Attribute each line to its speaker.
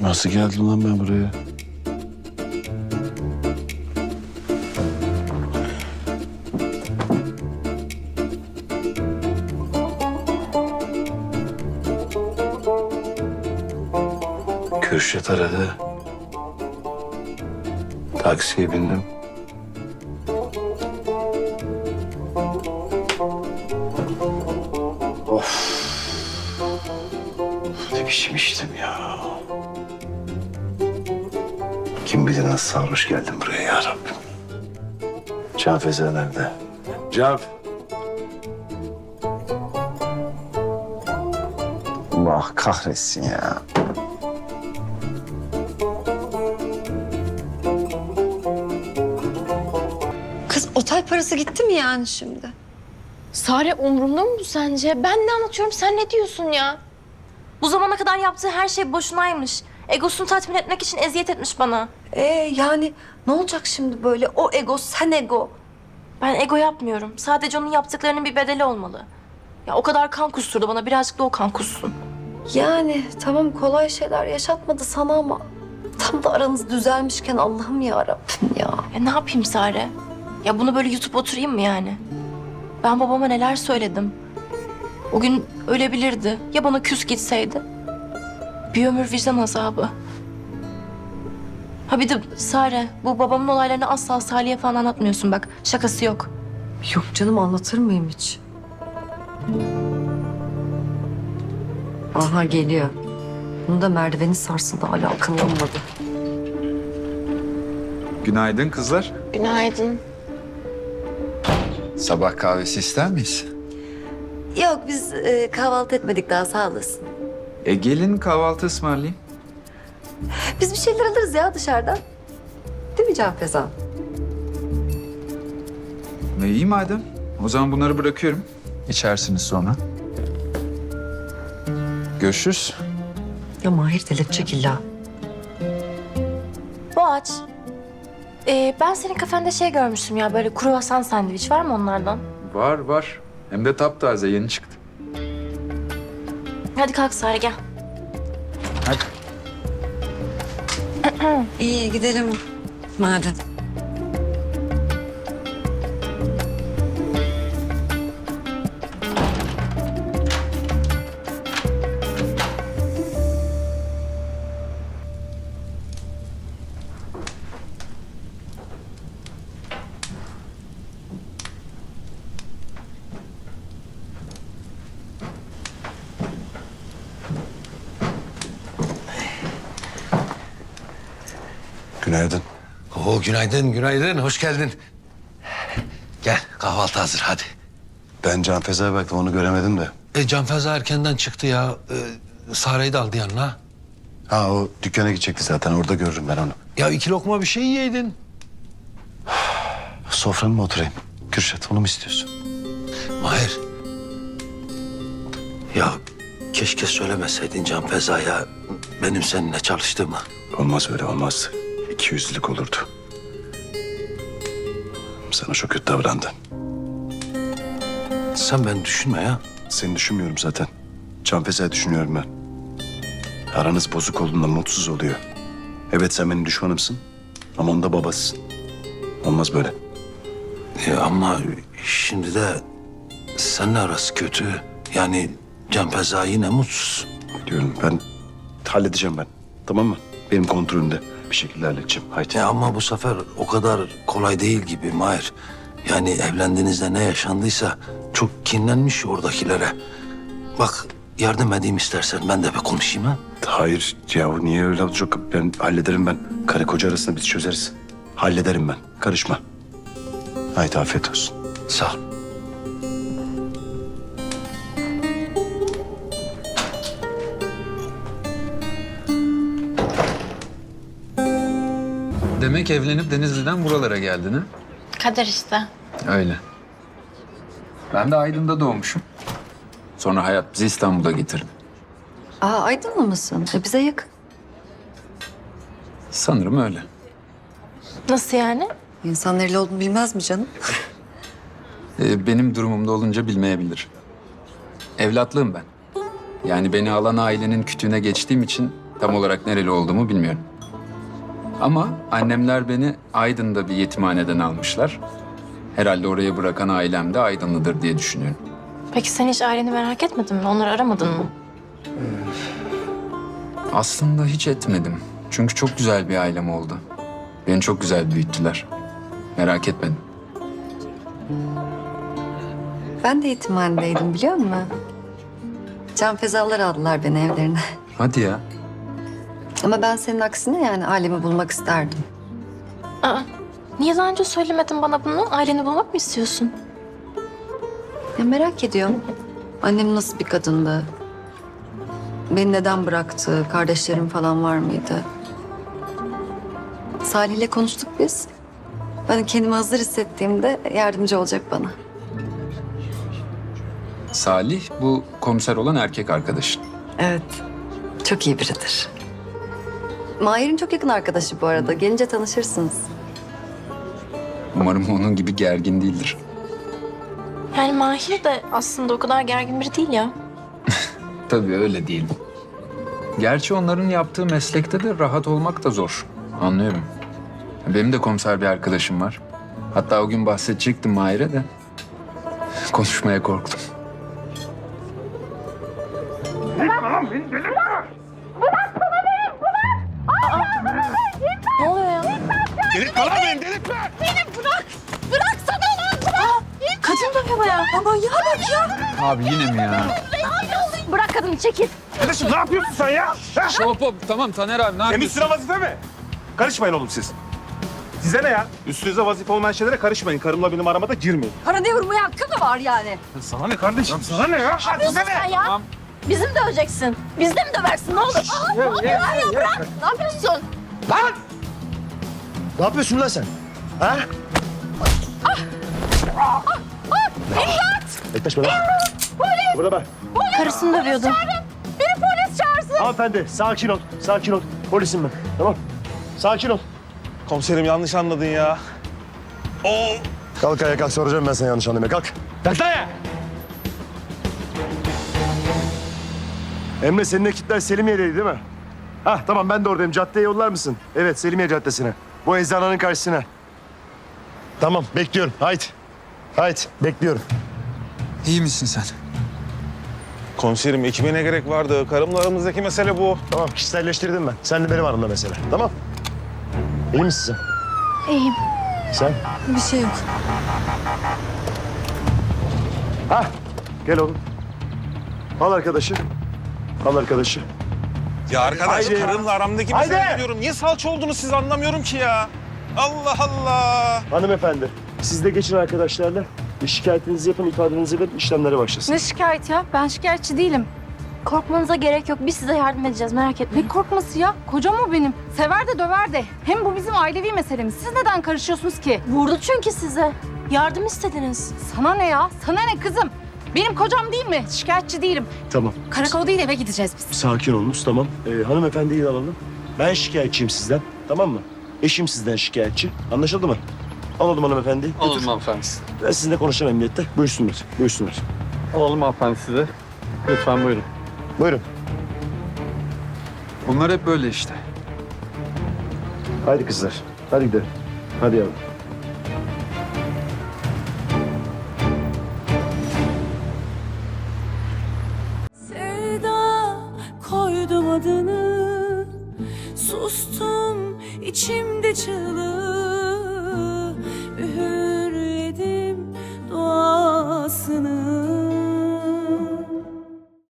Speaker 1: Nasıl geldim lan ben buraya? Kürşat aradı. Taksiye bindim. Of. Ne biçim içtim ya. Kim bilir nasıl sarhoş geldim buraya ya Rabbim. Can Feza nerede? Can. Allah kahretsin ya.
Speaker 2: Kız otel parası gitti mi yani şimdi?
Speaker 3: Sare umurumda mı bu sence? Ben ne anlatıyorum, sen ne diyorsun ya? Bu zamana kadar yaptığı her şey boşunaymış. Egosunu tatmin etmek için eziyet etmiş bana.
Speaker 2: Yani ne olacak şimdi böyle? O ego, sen ego.
Speaker 3: Ben ego yapmıyorum. Sadece onun yaptıklarının bir bedeli olmalı. Ya o kadar kan kusturdu bana, birazcık da o kan kussun.
Speaker 2: Yani tamam kolay şeyler yaşatmadı sana ama... Tam da aranız düzelmişken Allah'ım ya Rabbim ya.
Speaker 3: Ya ne yapayım Sare? Ya bunu böyle yutup oturayım mı yani? Ben babama neler söyledim. O gün ölebilirdi. Ya bana küs gitseydi? Bir ömür vicdan azabı. Ha bir de Sare, bu babamın olaylarını asla Salih'e falan anlatmıyorsun bak. Şakası yok.
Speaker 2: Yok canım anlatır mıyım hiç? Aha geliyor. Bunu da merdiveni sarsıldı hala akıllanmadı.
Speaker 4: Günaydın kızlar.
Speaker 3: Günaydın.
Speaker 4: Sabah kahvesi ister miyiz?
Speaker 2: Yok biz kahvaltı etmedik daha sağ olasın.
Speaker 4: Gelin kahvaltı ısmarlayayım.
Speaker 2: Biz bir şeyler alırız ya dışarıdan. Değil mi Can Feza?
Speaker 4: İyi madem. O zaman bunları bırakıyorum. İçersiniz sonra. Görüşürüz.
Speaker 2: Ya Mahir delirtecek illa.
Speaker 3: Boğaç. Ben senin kafende şey görmüştüm ya, böyle kruvasan sandviç var mı onlardan?
Speaker 4: Var var. Hem de taptaze yeni çıktı.
Speaker 3: Hadi kalk Sare gel.
Speaker 4: Hadi.
Speaker 2: İyi gidelim madem.
Speaker 1: Günaydın.
Speaker 5: Oo, günaydın, günaydın. Hoş geldin. Gel, kahvaltı hazır, hadi.
Speaker 1: Ben Can Feza'ya baktım onu göremedim de.
Speaker 5: Can Feza erkenden çıktı ya. Sare'yi de aldı yanına.
Speaker 1: Ha o dükkana gidecekti zaten orada görürüm ben onu.
Speaker 5: Ya 2 lokma bir şey yiyeydin.
Speaker 1: Sofranın mı oturayım? Kürşat onu mu istiyorsun?
Speaker 5: Mahir. Ya keşke söylemeseydin Can Feza'ya benim seninle çalıştığımı.
Speaker 1: Olmaz öyle olmaz. İkiyüzlülük olurdu. Sana çok kötü davrandı.
Speaker 5: Sen beni düşünme ya.
Speaker 1: Seni düşünmüyorum zaten. Can Feza'yı düşünüyorum ben. Aranız bozuk olduğunda mutsuz oluyor. Evet sen benim düşmanımsın. Ama onun da babasısın. Olmaz böyle.
Speaker 5: Ama şimdi de seninle arası kötü. Yani Can Feza yine mutsuz.
Speaker 1: Diyorum ben halledeceğim ben. Tamam mı? Benim kontrolümde bir şekilde halledeceğim. Haydi.
Speaker 5: Ama bu sefer o kadar kolay değil gibi Mahir. Yani evlendiğinizde ne yaşandıysa çok kinlenmiş oradakilere. Bak yardım edeyim istersen ben de bir konuşayım ha.
Speaker 1: Hayır yahu niye öyle olacak? Ben hallederim ben. Karı koca arasında biz çözeriz. Hallederim ben. Karışma. Haydi afiyet olsun.
Speaker 5: Sağ ol.
Speaker 4: Demek evlenip Denizli'den buralara geldin ha?
Speaker 3: Kader işte.
Speaker 4: Öyle. Ben de Aydın'da doğmuşum. Sonra hayat bizi İstanbul'a getirdi.
Speaker 2: Aydınlı mısın? Bize yakın.
Speaker 4: Sanırım öyle.
Speaker 3: Nasıl yani?
Speaker 2: İnsan nereli olduğunu bilmez mi canım?
Speaker 4: Benim durumumda olunca bilmeyebilir. Evlatlığım ben. Yani beni alan ailenin kütüğüne geçtiğim için Tam olarak nereli olduğumu bilmiyorum. Ama annemler beni Aydın'da bir yetimhaneden almışlar. Herhalde oraya bırakan ailem de Aydınlıdır diye düşünüyorum.
Speaker 3: Peki sen hiç aileni merak etmedin mi? Onları aramadın mı?
Speaker 4: Aslında hiç etmedim. Çünkü çok güzel bir ailem oldu. Beni çok güzel büyüttüler. Merak etmedim.
Speaker 2: Ben de yetimhanedeydim biliyor musun? Can fezalar aldılar beni evlerine.
Speaker 4: Hadi ya.
Speaker 2: Ama ben senin aksine yani ailemi bulmak isterdim.
Speaker 3: Aa, niye daha önce söylemedin bana bunu? Aileni bulmak mı istiyorsun?
Speaker 2: Ya merak ediyorum. Annem nasıl bir kadındı? Beni neden bıraktı? Kardeşlerim falan var mıydı? Salih'le konuştuk biz. Ben kendimi hazır hissettiğimde yardımcı olacak bana.
Speaker 4: Salih bu komiser olan erkek arkadaşın.
Speaker 2: Evet. Çok iyi biridir. Mahir'in çok yakın arkadaşı bu arada. Gelince tanışırsınız.
Speaker 4: Umarım onun gibi gergin değildir.
Speaker 3: Yani Mahir de aslında o kadar gergin biri değil ya.
Speaker 4: Tabii öyle değil. Gerçi onların yaptığı meslekte de rahat olmak da zor. Anlıyorum. Benim de komiser bir arkadaşım var. Hatta o gün bahsedecektim Mahir'e de. Konuşmaya korktum.
Speaker 3: Ne oluyor ya?
Speaker 6: Delirtme lan beni, delirtme!
Speaker 3: Kadın dövüyor bayağı. Aman ya bak ya.
Speaker 4: Abi yine mi ya?
Speaker 3: Bırak kadını çekil.
Speaker 6: Kardeşim ne yapıyorsun sen ya? Ha?
Speaker 4: Hop hop tamam Taner abi ne
Speaker 6: Temiz
Speaker 4: yapıyorsun?
Speaker 6: sıra vazife mi? Karışmayın oğlum siz. Size ne ya? Üstünüze vazife olmayan şeylere karışmayın. Karımla benim aramada girmeyin.
Speaker 2: Para ne vurmaya hakkı mı var yani?
Speaker 6: Sana ne kardeşim? Sana ne ya? Ha, size ne?
Speaker 3: Ya. Bizi mi döveceksin? Biz de mi döversin? Ne olur? Aa, ne oluyor ya? Bırak. Ne yapıyorsun?
Speaker 6: Lan! Ne yapıyorsun lan sen? Ha? Yaklaşma lan. Burada bak.
Speaker 3: Karısını dövüyordu.
Speaker 6: Hanımefendi sakin ol. Sakin ol. Polisim ben. Tamam. Sakin ol. Komiserim yanlış anladın ya. Oo.
Speaker 7: Kalk ayağa kalk, soracağım ben sana yanlış anlamaya. Kalk.
Speaker 6: Kalk lan ya.
Speaker 7: Emre, senin ekipler Selimiye'deydi değil mi? Hah tamam, ben de oradayım. Caddeye yollar mısın? Evet, Selimiye Caddesi'ne. Bu eczananın karşısına. Tamam, bekliyorum. Haydi. Haydi, bekliyorum.
Speaker 4: İyi misin sen?
Speaker 6: Komiserim ekibe ne gerek vardı? Karımla aramızdaki mesele bu.
Speaker 7: Tamam, kişiselleştirdim ben. Sen de benim aramda mesele. Tamam. İyi misin sen?
Speaker 3: İyiyim.
Speaker 7: Sen?
Speaker 2: Bir şey yok.
Speaker 7: Hah, gel oğlum. Al arkadaşı. Al arkadaşı.
Speaker 6: Ya arkadaş
Speaker 7: Haydi.
Speaker 6: karımla aramdaki
Speaker 7: Haydi.
Speaker 6: mesele diyorum. Niye salça oldunuz siz anlamıyorum ki ya. Allah Allah.
Speaker 7: Hanımefendi, siz de geçin arkadaşlarla. Bir şikayetinizi yapın, ifadenizi verin, işlemlere başlasın.
Speaker 8: Ne şikayet ya? Ben şikayetçi değilim.
Speaker 3: Korkmanıza gerek yok. Biz size yardım edeceğiz. Merak etmeyin.
Speaker 8: Ne korkması ya? Kocam o benim. Sever de döver de. Hem bu bizim ailevi meselemiz. Siz neden karışıyorsunuz ki?
Speaker 3: Vurdu çünkü size. Yardım istediniz.
Speaker 8: Sana ne ya? Sana ne kızım? Benim kocam değil mi? Şikayetçi değilim.
Speaker 7: Tamam,
Speaker 8: Karakola değil eve gideceğiz biz.
Speaker 7: sakin olunuz, tamam. Hanımefendiyi de alalım. Ben şikayetçiyim sizden, tamam mı? Eşim sizden şikayetçi. Anlaşıldı mı? Alalım hanımefendiyi.
Speaker 9: Alalım hanımefendi.
Speaker 7: Ben sizinle konuşacağım emniyette. Buyursunlar, buyursunlar.
Speaker 9: Alalım hanımefendi size. Lütfen buyurun.
Speaker 7: Buyurun.
Speaker 4: Bunlar hep böyle işte.
Speaker 7: Haydi kızlar, hadi gidelim. Hadi yavrum.
Speaker 10: Sevda koydum adını, sustum içimde çığlık.